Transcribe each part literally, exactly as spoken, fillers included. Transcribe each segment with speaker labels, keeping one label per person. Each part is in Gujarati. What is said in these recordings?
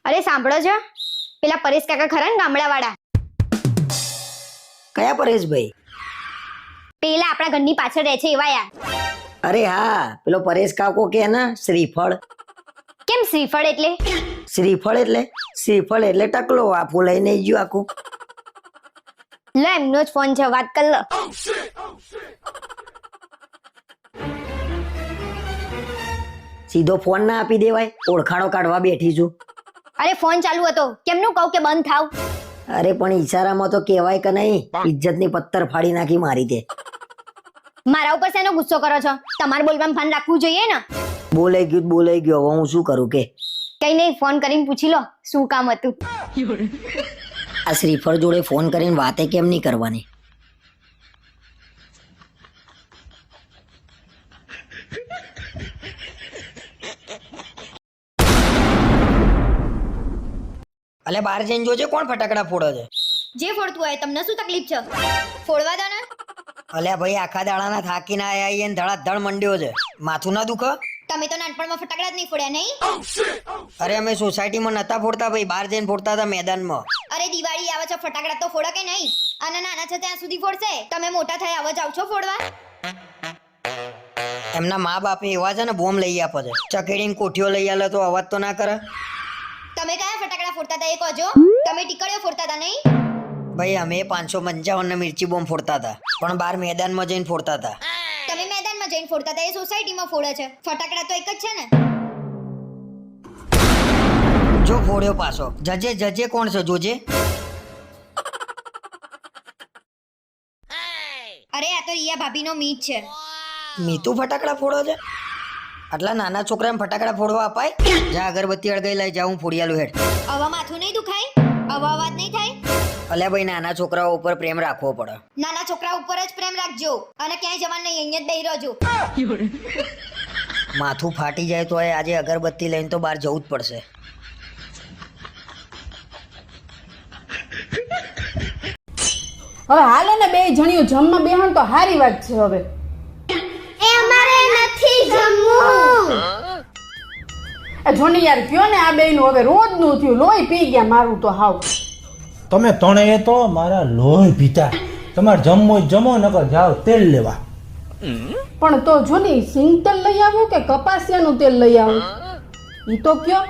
Speaker 1: અરે સાંભળો છો, પેલા પરેશ કાકા ખરા ને ગામડા વાળા?
Speaker 2: કયા પરેશભાઈ?
Speaker 1: પેલા આપણા ઘરની પાછળ રહે છે એવા યાર.
Speaker 2: અરે હા, પેલો પરેશ કાકો કે ને શ્રીફળ.
Speaker 1: કેમ શ્રીફળ એટલે?
Speaker 2: શ્રીફળ એટલે શ્રીફળ એટલે ટકલો આપું લઈને ગયું આખું.
Speaker 1: લો એમનો જ ફોન છે, વાત કર લો.
Speaker 2: સીધો ફોન ના આપી દેવાય, ઓળખાણો કાઢવા બેઠી છું.
Speaker 1: અરે ફોન ચાલુ હતો, કેમનું કહું કે બંધ થાવ?
Speaker 2: અરે પણ ઈશારામાં તો કહેવાય કે નહીં? ઇજ્જતની પત્તર ફાડી નાખી મારી તે.
Speaker 1: મારા ઉપર શેનો ગુસ્સો કરો છો? તમારે બોલવામાં ભાન રાખવું જોઈએ ને.
Speaker 2: બોલાઈ ગયું તો બોલાઈ ગયો, હવે હું શું કરું કે?
Speaker 1: કઈ નહીં, ફોન કરીને પૂછી લો શું કામ હતું.
Speaker 2: આ શ્રીફળ જોડે ફોન કરીને વાતે કેમ નહીં કરવાની? અલે બહાર જઈને જોજે કોણ ફટાકડા ફોડે છે.
Speaker 1: જે ફોડતું હોય, તમને શું તકલીફ છે? ફોડવા દો ને.
Speaker 2: અલ્યા ભાઈ, આખા દાડાના થાકીને આયા આઈએ ને ધડાધડ મંડ્યો છે. માથું ના દુખે?
Speaker 1: તમે તો નાનપણમાં ફટાકડા જ નહીં ફોડ્યા નહીં?
Speaker 2: અરે અમે સોસાયટીમાં નતા ફોડતા ભાઈ, બહાર જઈને ફોડતા હતા મેદાનમાં.
Speaker 1: અરે દિવાળી આવે છે, ફટાકડા તો ફોડો કે નહીં? અને નાના છે ત્યાં સુધી ફોડશે, તમે મોટા થયા હવે જાવ છો ફોડવા?
Speaker 2: એમના મા બાપે એવા છે ને, બોમ્બ લઈ આપે છે. ચકેડીને કોઠીઓ લઈ આલે તો અવાજ તો ના કરે.
Speaker 1: તમે કયા ફટાકડા ફોડતા હતા એ કહેજો. તમે ટીકડીઓ ફોડતા હતા નહીં?
Speaker 2: ભાઈ અમે પાંચસો પંચાવન ને મિર્ચી બોમ્બ ફોડતા હતા, પણ બહાર મેદાનમાં જઈને ફોડતા હતા.
Speaker 1: તમે મેદાનમાં જઈને ફોડતા હતા, એ સોસાયટીમાં ફોડે છે. ફટાકડા તો એક જ છે ને.
Speaker 2: જો ફોડ્યો પાછો. જજે જજે કોણ છે જોજે.
Speaker 1: અરે આ તો રિયા ભાભીનો મીત છે.
Speaker 2: મીતુ ફટાકડા ફોડો છે? આટલા નાના છોકરાને ફટાકડા ફોડવા અપાય? જા અગરબત્તી અળગાઈ લઈ જા, હું ફોડી આલું હેડ.
Speaker 1: આવા માથું નહીં દુખાય? આવા અવાજ નહીં થાય?
Speaker 2: અલ્યા ભાઈ, નાના છોકરાઓ ઉપર પ્રેમ રાખવો પડે.
Speaker 1: નાના છોકરા ઉપર જ પ્રેમ રાખજો, અને ક્યાંય જવાનું નહીં, અહીંયા જ બેહી રહેજો.
Speaker 2: માથું ફાટી જાય તો આજે અગરબત્તી લઈને તો બહાર જવું જ પડશે.
Speaker 3: હવે હાલે ને બે જણીઓ જમવા બેહણ તો હારી વાત છે. હવે
Speaker 1: એ અમારે નથી જમવું.
Speaker 3: એ જોની યાર કયો ને આ બેયનું હવે રોજનું થયું, લોહી પી ગયા મારું તો હાવ.
Speaker 4: તમે ત્રણેય તો મારા લોહી પીતા. તમારે જમવો જ જમો, નકર જાઓ તેલ લેવા.
Speaker 3: પણ તો જોની સિંગ તેલ લઈ આવું કે કપાસિયાનું તેલ લઈ આવું ઈ તો કયો.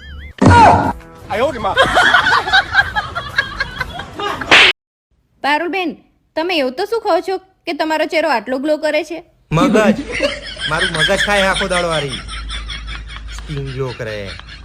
Speaker 5: પારુલબેન, તમે એવું તો શું કહો છો કે તમારો ચહેરો આટલો ગ્લો કરે છે?
Speaker 6: મગજ મારું મગજ ખાય આખો દાડો વારી સ્કીન ગ્લો કરે.